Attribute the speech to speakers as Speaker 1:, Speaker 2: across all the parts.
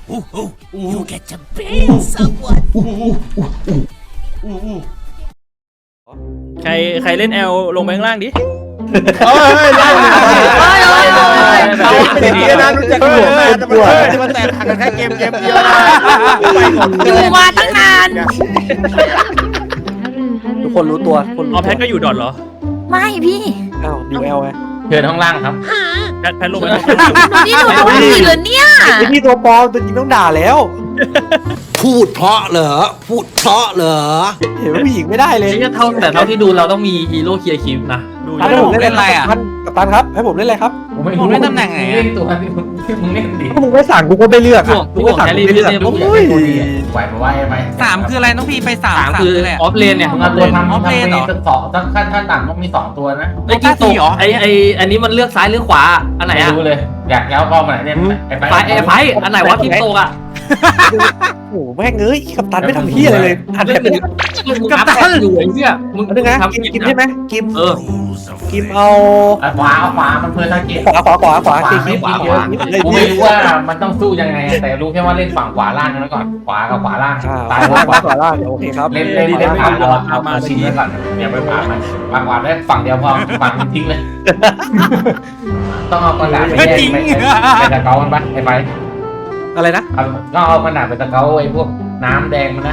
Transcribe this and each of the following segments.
Speaker 1: You get to bang someone.
Speaker 2: ใครเล่นแอลลงไปข้างล่างดิ
Speaker 3: เฮ้ยได้ดีนะรู้จักหัวแม่จะมาแตกหักกันแค่เกมเดียว
Speaker 1: อยู่มาตั้งนาน
Speaker 4: ทุกคนรู้ตัวคน
Speaker 2: อ๋อแพทก็อยู่ดอทเหรอ
Speaker 1: ไม่พี่
Speaker 4: อ้าวดิวเอลไง
Speaker 5: เชิญข้างล่างครับ
Speaker 2: แพทลงไป
Speaker 1: นี่หนูโดนผีเหรอเนี่ย
Speaker 4: ไอพี่ตัวปลอมตัวจริงต้องด่าแล้ว
Speaker 6: พูดเพราะเหรอ พูดเพราะเหรอ
Speaker 4: เห็นว่าผู้หญิงไม่ได้เลย
Speaker 5: แต่เท่าที่ดูเราต้องมีฮีโร่เคลียร์คิวนะ
Speaker 2: ดู
Speaker 4: ให้ผมเล่นอะไรอ่ะกัปตันครับให้ผมเล่นอะไรครับ
Speaker 5: ผมเล่นตำแหน่งไหนเล่นตัวมึงเล่นดิ
Speaker 4: ถ้ามึงไม่สั่งกูก็ไม่เลือก
Speaker 5: พวก
Speaker 4: กูก็สั่ง
Speaker 5: แค
Speaker 4: กู
Speaker 5: รี่
Speaker 4: ไม่เลือก
Speaker 5: ไม่ได้
Speaker 4: โอ้ย
Speaker 5: ไหวไหม
Speaker 7: 3คืออะไรน้องพี่ไป3
Speaker 5: 3คือออฟเลนเนี่ยมึงเอาตัวทำสองขั้นต่ำต้องมี2ตัวนะ
Speaker 7: ไอ้กิ้งตก
Speaker 5: ไออันนี้มันเลือกซ้ายหรือขวาอันไหนอะรู้เลยอยากแล้วก็มาเนี่ยไฟอันไหนวะกิ้งตกอะ
Speaker 4: โอ้โหแม่งเอ้ยกัปตันไม่ทำเฮียอะไรเลยหันไปเป็น
Speaker 5: กัปตันอยู่ไอ้เนี่ยมึง
Speaker 4: นึงนะกิมใช่ไหมกิมกิมเอา
Speaker 5: ขวามันเพื่อทาร์เก็ต
Speaker 4: ขวากิม
Speaker 5: กูไม่รู้ว่ามันต้องสู้ยังไงแต่รู้แค่ว่าเล่นฝั่งขวาล่างนั้นก่อนขวากับขวาล่างตาย
Speaker 4: ขวาล่างโอเคครับ
Speaker 5: เล่นเอาชิ้นนี้ก่อนอย่าไปผ่ามันขวาได้ฝั่งเดียวพอฝั่งทิ้งเลยต้องเอากระดาษไปแยกไปตะเกามันปะไอ้ไป
Speaker 4: อะไรนะ
Speaker 5: ก็เอากระดาษไปตะเกาไอ้พวกน้ำแดงมันนะ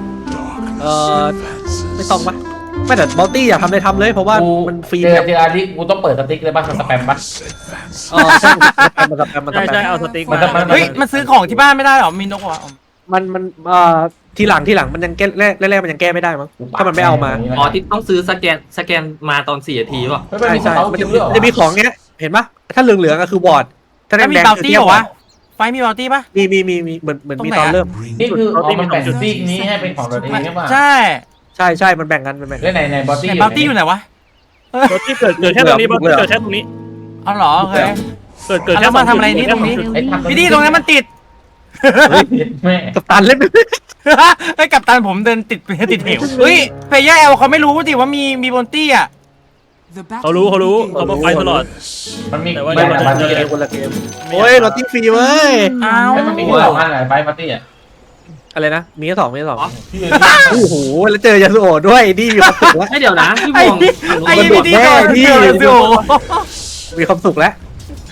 Speaker 4: ไม่ต้องปะไม่แต่บัลตี้อยากทำเลยทำเลยเพราะว่ามันฟรี
Speaker 5: เจออาริกูต้องเปิดสติ๊กเลยป่ะมันสแปมป่ะ
Speaker 4: ใช่มันสแปม
Speaker 2: ใช่เอาสติ๊กมา
Speaker 7: เฮ้ยมันซื้อของที่บ้านไม่ได้หรอมีนกวะ
Speaker 4: มันทีหลังมันยังแก้แรกมันยังแก้ไม่ได้มั้งถ้ามันไม่เอามา
Speaker 5: อ๋อที่ต้องซื้อสแกนมาตอน4 นาทีป่ะ
Speaker 4: ใช่มันจะมีของเงี้ยเห็นปะถ้าเหลืองๆก็คือบอร์ดถ้าแด
Speaker 7: มี
Speaker 4: ง
Speaker 7: บัล
Speaker 4: คือ
Speaker 7: ตี้
Speaker 4: เทีย
Speaker 7: เหร
Speaker 4: บ
Speaker 7: อวะไฟมีบัลตี้ปะ
Speaker 4: มีเหมือนมีตอนเริ่ม
Speaker 5: นี่คือมันแบ่งสติ๊กนี้ให้เป็นของตัวเองใช่ป่ะ
Speaker 7: ใช่
Speaker 4: ใช่มันแบ่งกัน
Speaker 5: แล้วในบอตี้
Speaker 7: บัลตี้อยู่ไหนวะ
Speaker 2: รถที่เกิดแค่ตรงนี้เกิดแค่ตรงนี้
Speaker 7: เอาเหรอโอเค
Speaker 2: เกิดแค่
Speaker 7: แล้วมาทำอะไรนี่ตรงนี้พี่ดีตรงนั้นมันติด
Speaker 5: แม่
Speaker 4: กัปตันเล่น
Speaker 7: ไอ้กัปตันผมเดินติดเหวเฮ้ยเพย์แอลเขาไม่รู้ดิว่ามีบัลตี้อ่ะ
Speaker 2: เขารู้เขามาไฟตลอด
Speaker 5: มันมี
Speaker 2: แต่ว่า
Speaker 5: ไม่แต่มันมี
Speaker 4: คนละเกมโอ้ยรถที่ฟรีเว้ย
Speaker 7: อ้าว
Speaker 5: มันมี2 อันไหนไฟปาร์ตี้อ่ะ
Speaker 4: อะไรนะมีแค่2โอ้โหแล้วเจอยาสุโอะด้วยนี่มีความสุขแล้ว
Speaker 5: ให้เดี๋ยวนะพี่
Speaker 7: ไอ้
Speaker 5: มอง
Speaker 7: ไอ้พี่ดีก่อนเดียวสิโอ
Speaker 4: มีความสุขแล้ว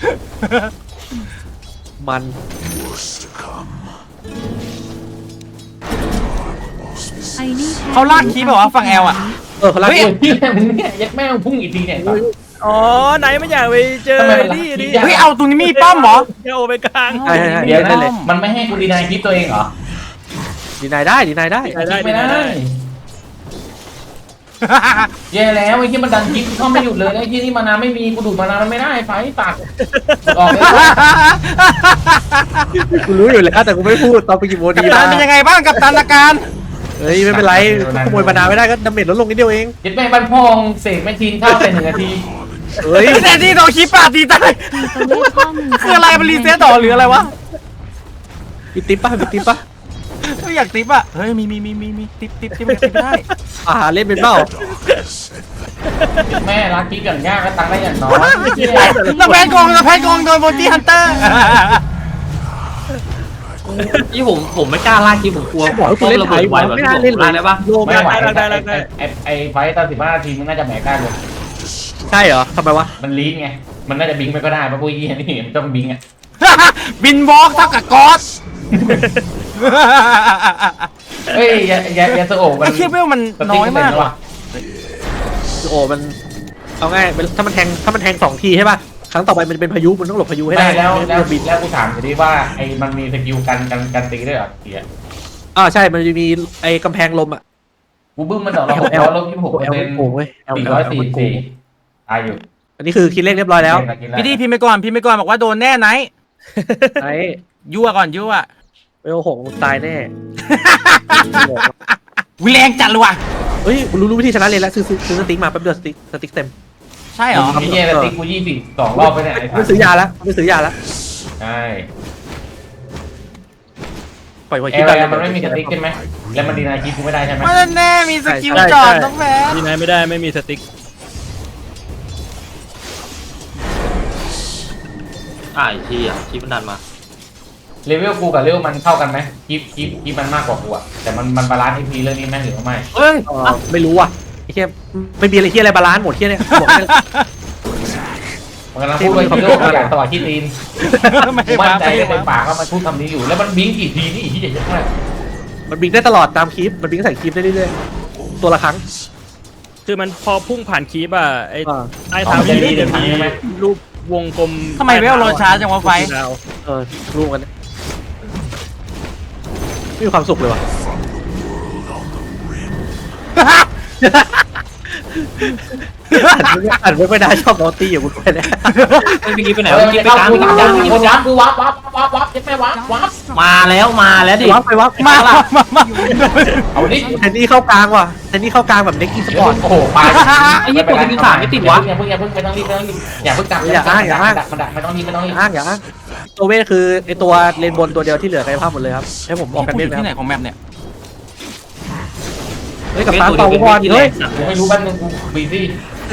Speaker 4: มัน
Speaker 7: เขาลากคีบแบบว่าฝั่งแอลอ่ะ
Speaker 4: เขาลาก
Speaker 5: พี่มึงเนี่ยยัดแม่งพุ่งอีกทีเนี่ย
Speaker 2: อ๋อไหนไม่อยากไปเจอนี่ดิ
Speaker 7: เฮ้ยเอาตรงนี้มีป้อมเหรอ
Speaker 2: จะโอไปกลาง
Speaker 4: ใช่
Speaker 5: เดี๋ยวนะมันไม่ให้กูดีนายคลิปตัวเองเหรอ
Speaker 4: ดีนายได้
Speaker 5: ไม่ได้แย่แล้วไอ้ที่มันดันคลิปเข้าไม่หยุดเลยไอ้ที่นี่มานาไม่มีกูดูดมานามันไม่ได้ไฟตัดออกเลย
Speaker 4: กูรู้อยู่แล้วแต่กูไม่พูดตอนไปกินโมดี
Speaker 7: กัปตันเป็นยังไงบ้างกัปตันอาการ
Speaker 4: เฮ้ยไม่เป็นไรขโมยบรรดาไม่ได้ก็ดาเมจลดลงนิดเดียวเอง
Speaker 5: ยัดแม่งบ้านพองเสกแม่ทีนเข้าไป1 นาที
Speaker 4: เฮ้ย
Speaker 7: แต่ที่โดนคีบปาดตีตายคืออะไรมันรีเซ็ตต่อหรืออะไรวะ
Speaker 4: มีติ๊บป่ะ
Speaker 7: ไม่อยากติ๊บอ่ะเฮ้ยมีติ๊บไม่ได้
Speaker 4: เล่นเป็นเปล่า
Speaker 5: แม่รักคลิปอย่างยากก็ตังได้อย่างน้อย
Speaker 7: แล้วแพนกองโดนโบตี้ฮันเตอร์
Speaker 5: ที่ผมไม่กล้าลากคลิปผมกลัว
Speaker 4: บอกให้กูเล่นไทยไม่น่าเล่นเลย
Speaker 5: ได้ปะ
Speaker 4: โล
Speaker 5: ไม่ไหว
Speaker 2: ได้
Speaker 5: ไอ้ไฟตอน15 นาทีมึงน่าจะแหมกล้าเลย
Speaker 4: ใช่เหรอทำไมวะ
Speaker 5: มันลีดไงมันน่าจะบิงไปก็ได้เพราะพวกยี่นี่มันต้องบิงอ่ะ
Speaker 7: บินวอล์กเท่ากับกอส
Speaker 5: เฮ้ยยาสโอะมัน
Speaker 7: ไอ้เคียเวลมันน้อยมากว่ะ
Speaker 4: โอ้มันเอาง่ายถ้ามันแทง2 ทีใช่ป่ะครั้งต่อไปมันเป็นพายุมันต้องหลบพายุให้ได้
Speaker 5: แล้วกูถามทีว่าไอ้มันมีสกิลกันตีด้วยเหรอเสีย
Speaker 4: ใช่มันจะมีไอ้กำแพงลมอ่ะ
Speaker 5: กูบึ้มมัน200ลบ26%
Speaker 4: โอ้ย
Speaker 5: 444ตายอยู่
Speaker 4: อันนี้คือคิดเลขเรียบร้อยแล้ว
Speaker 7: พี่ดีพิมพ์ไปก่อนบอกว่าโดนแน่ไหน
Speaker 4: ไอ้
Speaker 7: ยั่วก่อนยั่ว
Speaker 4: เวล6ตายแน่
Speaker 7: วิแรงจัดเลยว่ะ
Speaker 4: เฮ้ยรู้วิธีชนะเลยแล้วซื้อสติ๊กมาแป๊บเดียวสติ๊กเต็ม
Speaker 7: ใช่เหรอ
Speaker 5: มีเนี่ยตีกู22 รอบไปเนี่ย
Speaker 4: ไม่ซื้อยาแล้ว
Speaker 5: ใช่
Speaker 4: ปล่อยไว้
Speaker 5: เอ
Speaker 4: คิด
Speaker 5: ล
Speaker 4: ได้
Speaker 5: มันไม่มีสติ๊กใช่ไหมแล้วมันดีนายคลิปกูไม่ได้ใช่ไหม
Speaker 7: มันแน่มีสกิลจอดต้องแพ้
Speaker 2: ที่ไหนไม่ได้ไม่มีสติ๊ก
Speaker 5: ไอ้ที่มันดันมาเลเวลกูกับเลเวลมันเท่ากันไหมคลิปมันมากกว่ากูอะแต่มันบาลานซ์ทีเรื่องนี้ไหมหรือว่าไม่
Speaker 7: เฮ้ย
Speaker 4: ไม่รู้ว่ะไอ้เหี้ยไม่มีอะไรเหี้ยอะไรบาลานซ์หมดเหี้ยเนี่ยบอกให้
Speaker 5: มันกำลังพูดว่าฮีโร่อยากตลอดที่ตีน
Speaker 7: ไม่
Speaker 5: กู
Speaker 7: มา
Speaker 5: มั่นใจ
Speaker 7: ไม่
Speaker 5: ใน
Speaker 7: มา
Speaker 5: ปากว่ามันพูดคำนี้อยู่แล้วมันบิงกี่ทีนี่อีกที่เยอะมาก
Speaker 4: มันบิงได้ตลอดตามคลิปมันบิงใส่คลิปได้เรื่อยๆตัวละครั้ง
Speaker 2: คือมันพอพุ่งผ่านคีบอ่ะไอ้
Speaker 4: อ่า
Speaker 2: ใต้เท้าคีบจะมีรูปวงกลม
Speaker 7: ทำไมเวลโรช้าจังวะไฟ
Speaker 2: ดาว
Speaker 4: รู้กันเนี่ยไม่มีความสุขเลยว่ะอ่านไม่ได้ชอบนอตตี้อยู่กูไปเนี่ย
Speaker 3: เมื่อกี้ไปไหน
Speaker 5: เออ
Speaker 3: เมื่อกี้ไป
Speaker 5: เข้าก
Speaker 3: ลาง
Speaker 5: กู
Speaker 3: ไปก
Speaker 5: ก
Speaker 3: ลา
Speaker 5: ลาง งคนวับคือวับยังไม่วับ
Speaker 3: มาแล้วดิ
Speaker 4: วับไปวับ
Speaker 7: มา
Speaker 5: เอาดิ
Speaker 4: เทนนี่เข้ากลางว่ะเทนนี่เข้ากลางแบบเน็กอีสปอร์ต
Speaker 5: โอ้โหไป
Speaker 3: ไอ้เหี้ยกดที่สามไม่ติดวะ
Speaker 5: อย่าเพิ่งไม่ต้องรีบอย่าเพิ่งจับมันดักไม่ต้องรีบ
Speaker 4: อ้างอย่าอ้างตัวเวทคือไอตัวเลนบนตัวเดียวที่เหลือกายภาพหมดเลยครับให้ผมออกกัน
Speaker 7: พูด
Speaker 4: เว
Speaker 7: อ
Speaker 4: ท
Speaker 7: ยู่ที่ไหน
Speaker 4: นะ
Speaker 7: ของแมปเนี่ย
Speaker 4: เฮ้ยกับตาเป่าบอลเฮ้ย
Speaker 5: กูไม่รู้บ้านมึงกูบีซี่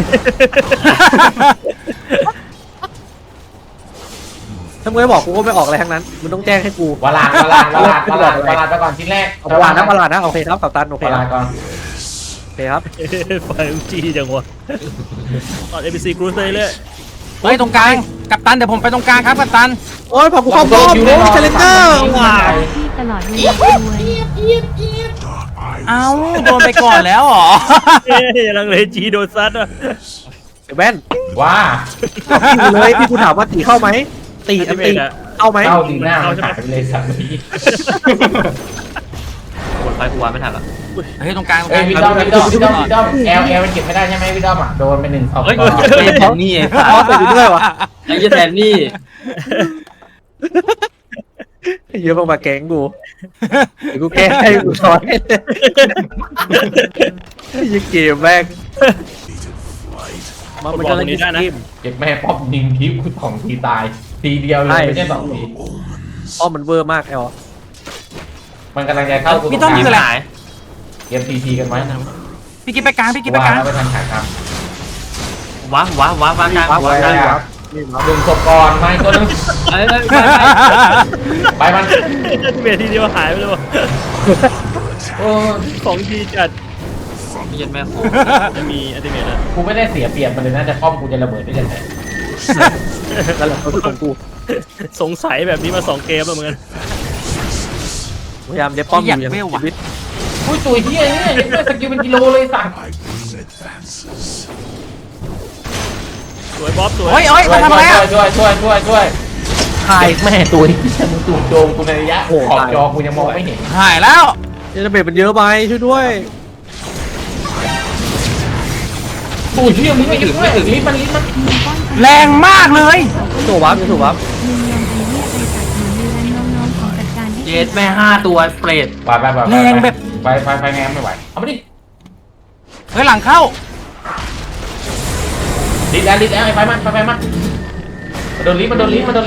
Speaker 4: ถ้ามึงไม่บอกกูก็ไม่ออกอะไรทั้งนั้นมึงต้องแจ้งให้กู
Speaker 5: วลาดไปก่อนชิ้นแรก
Speaker 4: เอาวานะวานะโอเคครับกับตันโอเคว
Speaker 5: ลาดก่อน
Speaker 4: โอเคครับ
Speaker 2: ไฟจีจังวะตอน ABC Cruise เลย
Speaker 7: เฮ้ยตรงกลางกัปตันเดี๋ยวผมไปตรงกลางครับกัปตัน
Speaker 4: โอ้ยพอกูเข้าป้อมโอ้ยเชลเลนเจอร์ว้าว
Speaker 1: ที่ตลอดเวลาด้วย
Speaker 7: เอ้าโดนไปก่อนแล้วเหรอ
Speaker 2: เอ้ยลังเลจีโดนซัดอ่ะ
Speaker 4: เดี๋ยวแว่น
Speaker 5: ว้า
Speaker 4: พี่เลยพี่กูถามว่าตีเข้าไหมตีอันตีเข้าไหม
Speaker 5: เข้าดีหน้ามันหายไปเลยสัตว์นี้
Speaker 3: กดไฟกูวางไม่ทันละ
Speaker 7: เฮ้ยตรงกลางตรงก
Speaker 5: เอ้
Speaker 7: ลาย ง
Speaker 5: วิดอมแอลมันเก็บไม่ได้ใช่ไหมวิดอมอ่ะโดนไป1 2
Speaker 3: เฮ้ยแทนนี่
Speaker 4: อ๋อใส่ไปด้วยวะ
Speaker 3: ไอ้เหี้ยแทนนี่
Speaker 4: เยอะมากๆแกงกูเดี๋ยวกูแก้ให้กูสอนให้เลยยิงเกมแม่งมันจะเล่นเกม
Speaker 5: เก็บแม่ป๊อปยิงทีกู2 ทีตายทีเดียวเลยไม่ใช่2 ที
Speaker 4: อ้อมันเวอร์มากแอล
Speaker 5: มันกำลังจะเข้า
Speaker 7: พี่ต้อมคืออะไร
Speaker 5: เกมทีกันไว้
Speaker 7: พี่กิ๊บไปกลางพี่กิ๊บไปกลาง
Speaker 5: แล้วไปทันขายครับ
Speaker 3: ว้าวางกลาง
Speaker 4: ว้าว
Speaker 3: วางกลาง
Speaker 4: ว้าวนี่มา
Speaker 5: ดึงศพก่อนไม่ตัวนึง
Speaker 3: เอ้ย
Speaker 5: ไปมัน
Speaker 2: เวทีเดียวหายไปเลยวะ
Speaker 5: โอ้
Speaker 2: ของดีจัด
Speaker 3: ไม่ยันแม่โค
Speaker 2: จะมีอัลติเมทอ่ะ
Speaker 5: กูไม่ได้เสียเปรียบมันเลยนะจะป้อมกูจะระเบิดได้ยังไง
Speaker 4: นั่นแหละเขาคือของกู
Speaker 2: สงสัยแบบนี้มา2 เกมแล้วเหมือนกัน
Speaker 4: พยายามเด็บป้อมอยู่อย่างชีวิต
Speaker 5: อุ้ยตัวเฮียเนี่ยยังไม่สกิลเป็นกิโลเลยสั่ง
Speaker 2: สวยบ๊อบสวย
Speaker 7: เฮ้ยเฮ้ยมาทำอะไรอ่ะ
Speaker 5: ช่วยถ่ายแม่ตัวนี้มึงตูดโดมกูในระยะขอบจอกูยังมองไม่เห็น
Speaker 7: หายแล้ว
Speaker 4: เจนเบตมันเยอะไปช่วยด้วย
Speaker 5: ตูดเฮียมึงไม่ถึงไม่ถึงลิ้นมัน
Speaker 7: แรงมากเลย
Speaker 4: ถูกวับถูกวับ
Speaker 1: มีเรียนไอเรียกไปจากหนูเรียนน้องๆของจัดการให้
Speaker 3: เย็ดแม่5 ตัวเปรต
Speaker 5: ไปไงไม่ไหวเอาไม่ดิ
Speaker 7: เฮ้ยหลังเข้า
Speaker 5: ลิ้นแล้วไอ้ไฟมันมันโดนลิ้นมันวิ่งไม่ได้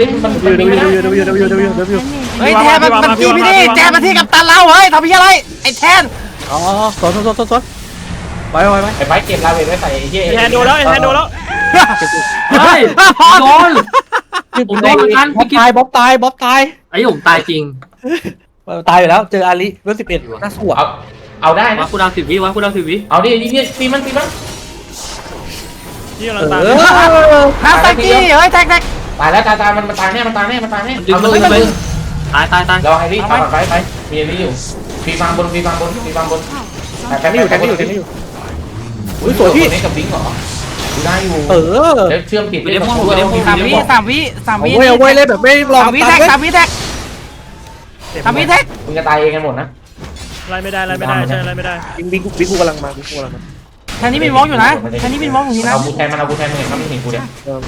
Speaker 7: เฮ้ยแทนมันที่พี่นี่แทนมาที่กัปตันเราเฮ้ยทำพี่อะไรไอ้แทน
Speaker 4: อ๋อสนไป
Speaker 5: ไอ้ไฟเก็บลาเวทไว้ใส่เฮีย
Speaker 2: แฮนโดแล้วแฮนโดแล้ว
Speaker 3: เฮ้ยโดนผมโดนเหมือนกัน
Speaker 4: บ๊อบตายบ๊อบตาย
Speaker 3: ไอ้ผมตายจริง
Speaker 4: ตายอยู่แล้วเจออาลีเวล11น่าสวด
Speaker 5: เอาได้
Speaker 3: วา
Speaker 5: นะ
Speaker 3: กูดาว10 วิวากูดาว10 วิ
Speaker 5: เอาดิตีมัน
Speaker 2: ที่กำลังตาม
Speaker 7: น้ำตะกี้เฮ้ยแท็ก
Speaker 5: ตายแล้วตายมันตายแน่เอาเลย
Speaker 3: ตาย
Speaker 5: รอไอ้นี่เอาไปมีไอ้นี่อยู่ฟีฟังบนแต่ไม่อยู่อุ้ยสวยพี่นี่กับบิงเหรอดูได้อยู่แล้วเชื่อมปิด
Speaker 7: 3 วิ
Speaker 4: เอาไว้เล่นแบบไม่รอ
Speaker 7: 3 วิแท็ก
Speaker 2: มึง
Speaker 5: จะตายเองกันหมดนะ
Speaker 2: ไล่ไม่ได้ใช่ไล่ไม่ได้
Speaker 4: บิ๊กกูกำลังมา
Speaker 7: แทนนี้มินวอล์กอยู่นะแทนนี้มินวอล์กอยู่นี่นะ
Speaker 5: เอากูแทนมันมึงเห็นมันไม่เห็นกูเนี่ยว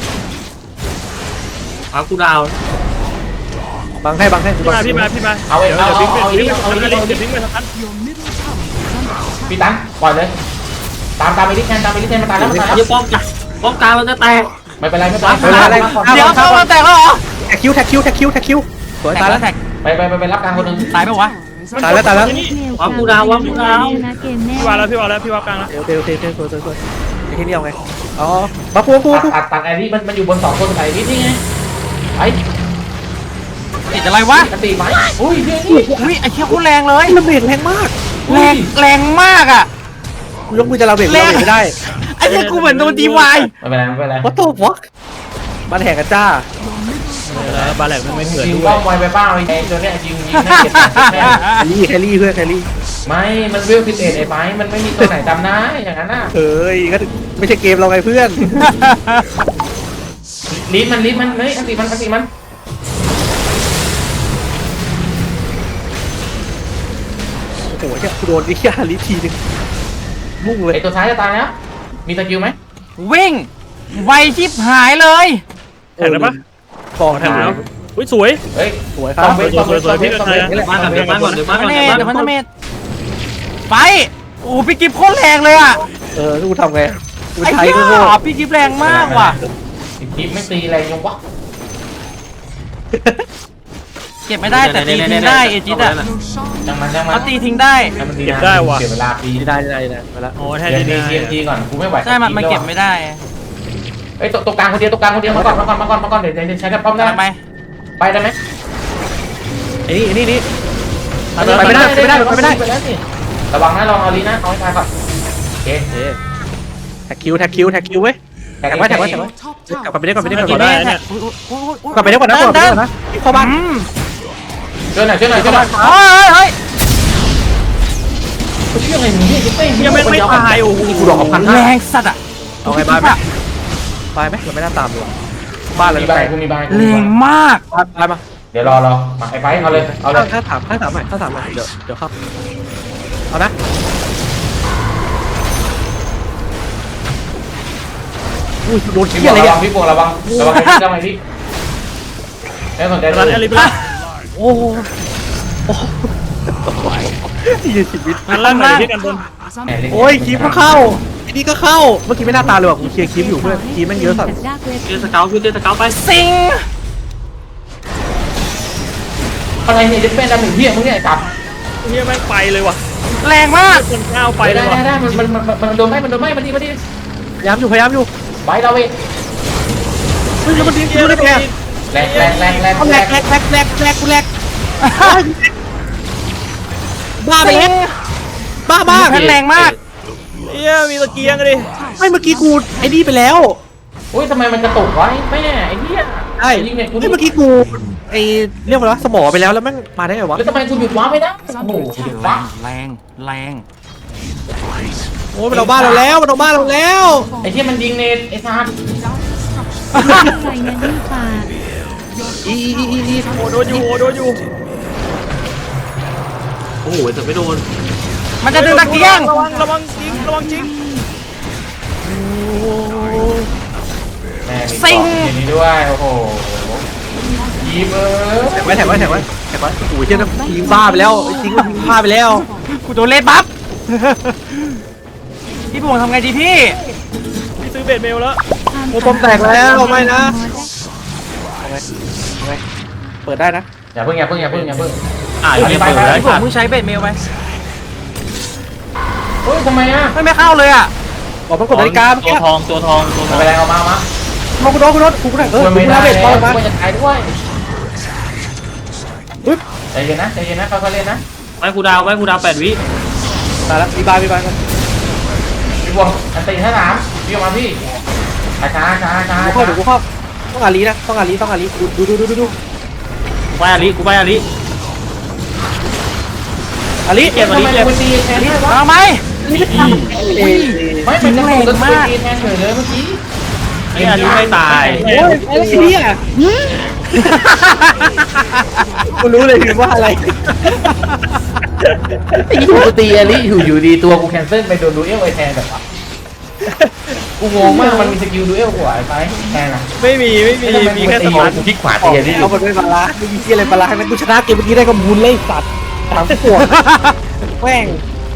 Speaker 3: ากูดาว
Speaker 4: บังให้
Speaker 2: พี่มา
Speaker 5: เอาเองเอา
Speaker 2: บิง
Speaker 5: เอา
Speaker 2: บิงบิงไปทัน
Speaker 5: พี่ตั้งปล่อยเลยตามไปดิแทนมันตายแล้ว
Speaker 3: เหี้ยป้อมกลางมันจะแตก
Speaker 5: ไม่เป็นไร
Speaker 7: เดี๋ยวเข้ามาแตกแล้วเหรอ
Speaker 4: แท็กคิวสวยตายแล้ว
Speaker 7: แท็ก
Speaker 5: ไปรับกลางคนนึง
Speaker 7: ตายไหมวะ
Speaker 4: ตายแล้ว
Speaker 3: วากูดาว
Speaker 1: นะเกมแน่
Speaker 2: พี่วางแล้วพี่วางกลางแล้ว
Speaker 4: โอเคสวยไอ้ที่นี่เอาไงอ๋อบัฟกู
Speaker 5: ตัดไอ้นี่มันอยู่บน2 คนใส่นี่ไงไป
Speaker 7: ติดอะไรวะ
Speaker 5: อันตีไหมอุ้ยเนี่ยนี่
Speaker 7: อุ้ยไอ้เชี่ยโคตรแรงเลย
Speaker 4: ระเบิดแรงมาก
Speaker 7: แรงมากอ่ะ
Speaker 4: กูยกมือจะระเบิดไม่ได้
Speaker 7: ไอ้เชี่ยกูเหมือนโดนดีวาย
Speaker 5: ไม่เป็นไรไม่เป็นไร
Speaker 4: What the fuck มันแหกกันจ้า
Speaker 2: บาแหลกมันไม่เหมือน
Speaker 5: ยิง
Speaker 2: ด้ว
Speaker 5: ป้อย มไวไปเปล่าไอ้ตัวเนี้ยยิงน่าเกลียดแม่
Speaker 4: แคลรี่เพื่อนแคลรี่
Speaker 5: ไม่ มันเวลพิเศษไอ้ไม้มันไม่มีตัวไหนจำได้อย่างนั้นน่ะ
Speaker 4: เฮ้ยก็ไม่ใช่เกมเราไงเพื่อน
Speaker 5: ลิ้นมันเฮ้ยอันตีมัน
Speaker 4: โอ้โหเนี่ยกูโดนไอ้เหี้ยลิทีนึงมุ่งเลย
Speaker 5: ไอ้ตัวท้ายจะตายแล้วมีสกิลไหม
Speaker 7: วิ่งไวชิบหายเลย
Speaker 2: แข่งได้ปะ
Speaker 4: ต่อ
Speaker 2: แข่
Speaker 4: ทาง ง
Speaker 2: แล้วอุ้ยสวย
Speaker 5: เฮ้ย
Speaker 4: สวยค
Speaker 5: ต้
Speaker 4: รั
Speaker 5: อบ งเวทต้องเวทต้องเวทต้องเวทนี่แหละ
Speaker 3: บ้านก่อนเดี๋ยวบ้านก่อนเดี๋ยวบ้านก่อน
Speaker 7: เดี๋ยวพันธเมตรไปโอ้พี่กิฟโคตรแรงเลยอ่ะ
Speaker 4: กูทำไงกู
Speaker 7: ไอ้
Speaker 4: ใช้
Speaker 7: เหี้
Speaker 4: ก็โง่
Speaker 7: ยพี่กิฟแรงมากว่ะ
Speaker 5: ทิปไม่ตีแรงยังวะ
Speaker 7: เก็บไม่ได้แต่ตีทิ้งได้เอจิตอ่ะ
Speaker 5: จังมัน
Speaker 7: เขาตีทิ้งได้
Speaker 5: มันตีเสียเวลาปี
Speaker 4: ได้มาแล้ว
Speaker 2: อ๋อแทน
Speaker 5: เดี๋ยว
Speaker 2: ที่
Speaker 5: ดี
Speaker 2: นี่
Speaker 5: ก่อนกูไม่ไหว
Speaker 7: ใช่มันเก็บไม่ได้
Speaker 5: เอ้ยตัวกลางคนเดียวมาก่อนเดี๋ยวใช้กับป้อมได้
Speaker 7: ทำไม
Speaker 5: ไปได้ไหม
Speaker 4: ไอ้นี่
Speaker 5: ไปไม่ได้ระวังนะลองเอาลีนะเอาให้ตายก่อนโอเค
Speaker 4: แท็กคิวเว้ยแท็กไว้กลับไปได้ก่อน
Speaker 7: เมื่อกี้
Speaker 2: ได้
Speaker 7: แม่
Speaker 2: เนี่ย
Speaker 4: กลับไปได้ก่อนนะเข้าบ้าน
Speaker 5: ช่วยหน่อย
Speaker 7: เฮ้ย
Speaker 5: เชื่ออะไรนี่
Speaker 2: ยังไม่ตายโอ้โห
Speaker 5: กูดอกพัน
Speaker 7: แรงสัตว์อ่ะ
Speaker 4: เอาไงบ้านไหมเราไม่น่าตามเลยบ้านเรา
Speaker 5: มี
Speaker 4: ไป
Speaker 5: ใบกูมีใบ
Speaker 7: แรงมาก
Speaker 4: บ้านมา
Speaker 5: เดี๋ยวรอมาไอ้ไฟเอาเลย
Speaker 4: ข้าถามใหม่เดี๋ยวเข้าเอานะอุ้ยโดน
Speaker 5: พี่
Speaker 4: เที่ยอะไร
Speaker 5: ระ
Speaker 4: เนี่
Speaker 5: วั
Speaker 4: ย
Speaker 5: งพี่โป่งระวังไอ้พี่ไม่สนใจ
Speaker 2: รันแอลิไปละ
Speaker 4: โอ้โหชีวิต
Speaker 2: มันล่างไหนที่กันบน
Speaker 4: โอ้ยคลิปก็เข้าไอ้นี่ก็เข้าเมื่อกี้ไม่น่าตาเลยว่ะกูเคลียร์คลิปอยู่เพื่อนคลิปมันเยอะสัตว์
Speaker 3: เจอสเกลคือเจอสเกลไป
Speaker 7: สิง
Speaker 5: อะไรเนี่ยจะเป็นดำหนึ่งพี่มึงเนี่ยจับ
Speaker 2: เฮียแม่งไปเลยว่ะ
Speaker 7: แรงมาก
Speaker 2: คนก้าวไป
Speaker 5: ไป
Speaker 2: เลยว่ะ
Speaker 5: ได้มันโดนไหมมาดิ
Speaker 4: พยายามอยู่
Speaker 5: ไปเราเอง
Speaker 4: เฮ้ยแล้วมันดิ้นได้ไง
Speaker 5: แรง
Speaker 4: เอาแหลกกูแหลกบ้าไปแล้วบ้า
Speaker 7: แพนแรงมาก
Speaker 2: เฮียมีตะเกียงกันดิ
Speaker 4: ไม่เมื่อกี้กูไอ้นี่ไปแล้ว
Speaker 5: อุ้ยทำไมมันกระตุกไว้แม่ไอ้เนี่ย
Speaker 4: ใช่
Speaker 5: ยิงเนี่ยกู
Speaker 4: เมื่อกี้กูไอ้เรียกว่าอะไรวะสมอไปแล้วแล้วแม่งมาได้ไงวะ
Speaker 5: แล้วทำไมกูหยุดว้าไม่ได้โอ้โหหยุดว้า
Speaker 7: แรง
Speaker 4: โอ้ยมันเอาบ้านเราแล้ว
Speaker 5: ไอ้ที่มันยิงเนตไอ้ซาร์
Speaker 1: ใส่เงินที่ปาก
Speaker 4: อี
Speaker 2: โอ้โดนอยู่
Speaker 3: โอ้โหแต่ไม่โดน
Speaker 7: มันจะดึงตะเกียง
Speaker 2: ระวังจริง
Speaker 5: แม่มีอย่างนี้ด้วยโอ้โหยีเบอร์
Speaker 4: แท็กไว้โอ้ยเจ้ายิงบ้าไปแล้วยิงบ้าไปแล้ว
Speaker 7: กูโดนเลดบัฟพี่บวงทำไงดีพี่
Speaker 2: พี่ซื้อเบดเมลแล้ว
Speaker 4: โอ้ปอมแตกแล้วไม่นะเปิดได้นะ
Speaker 5: อย่าเพิ่ง
Speaker 3: อ่ะยังไม่เปิดเลย
Speaker 7: พี่บวงเพิ่งใช้เบดเมลไป
Speaker 5: เฮ้ยทำไมอ่ะ
Speaker 7: ไม่เข้าเลยอ่ะ
Speaker 4: บอกมันกดนาฬิกาเมื่อ
Speaker 3: ตัว
Speaker 4: กี้
Speaker 3: ทองตัวทองตัวทอง
Speaker 5: ไปแรงเอามา
Speaker 4: มากูโดนกูได้กู
Speaker 5: ควร
Speaker 4: กู
Speaker 5: ไม่ได้
Speaker 4: ได้เบ็ด
Speaker 5: แล้
Speaker 4: บอ
Speaker 5: ว
Speaker 4: ลมา
Speaker 5: ควรจะตายด้วย
Speaker 4: ปึ๊บ
Speaker 5: ใจเย็นนะค่อยๆเล่นนะ
Speaker 3: ไว้กูดาว8 วิ
Speaker 4: ตายแล้วมีบายกัน
Speaker 5: พี่บวงอันตีท่าน้ำพี่ออกมาพี่ช้า
Speaker 4: กูเข้าต้องอาลีนะต้องอาลีดู
Speaker 3: ไปอาลิอาลิ
Speaker 4: อาลี
Speaker 3: เก็บ
Speaker 5: ทำไมคุณตีแทนได้วะ
Speaker 7: เอาไหม
Speaker 5: ไม่เป็นตัวตีแทนเฉยเลยเมื่อกี้
Speaker 3: ไอ้อาลิไม่ตาย
Speaker 4: โอ้ยไอ้เหี้ยกูรู้เลยว่าอะไร
Speaker 5: ไอ้ยูตีอลิอยู่ดีตัวกูแคนเซิลไปโดนดูเอลไอแทนแบบว่ากูงงมากมันมีสกิลดูเอลกว่าไอ้ไปแทนอ่ะ
Speaker 2: ไม่มีแค่สปาร์
Speaker 5: กูคลิกขวาตีอลิ
Speaker 4: เอาหมดด้วยบาลาไม่มีเหี้ยอะไรบาลาทั้งนั้นกูชนะเกมเมื่อกี้ได้ก็บุญเลยสัตว์ถามปวดแม่ง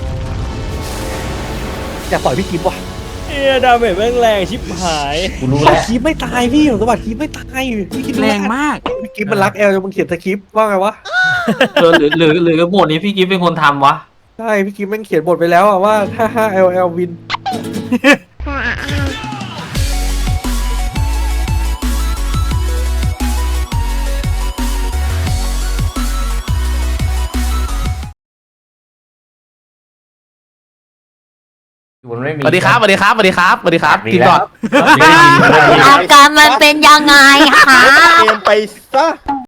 Speaker 4: อยากต่อยพี่กิฟต์ว่ะ
Speaker 2: เฮียดาเมจแม่งแรงชิบหาย
Speaker 5: กูรู้แล้ว
Speaker 4: คีบไม่ตายพี่ผมสวัสดิ์คีบไม่ตายพี่คิดดู
Speaker 7: แรงมาก
Speaker 4: พี่กิฟมันรักแอลจนมึงเขียนสคริปต์ว่าไงวะ
Speaker 3: หรือบทนี้พี่กิฟเป็นคนทำวะ
Speaker 4: ใช่พี่กิฟมันเขียนบทไปแล้วอะว่าถ้า5 LL วิน
Speaker 5: มันไม่มี
Speaker 4: สวัสดีครับสวัสดีครับสวัสดีครับสวัสดีครับ
Speaker 5: มี
Speaker 4: กิน
Speaker 5: แล้ว
Speaker 4: ก่อน
Speaker 5: ไม่มี
Speaker 8: อาการมันเป็นยังไงคะ
Speaker 2: เตรียมไปซะ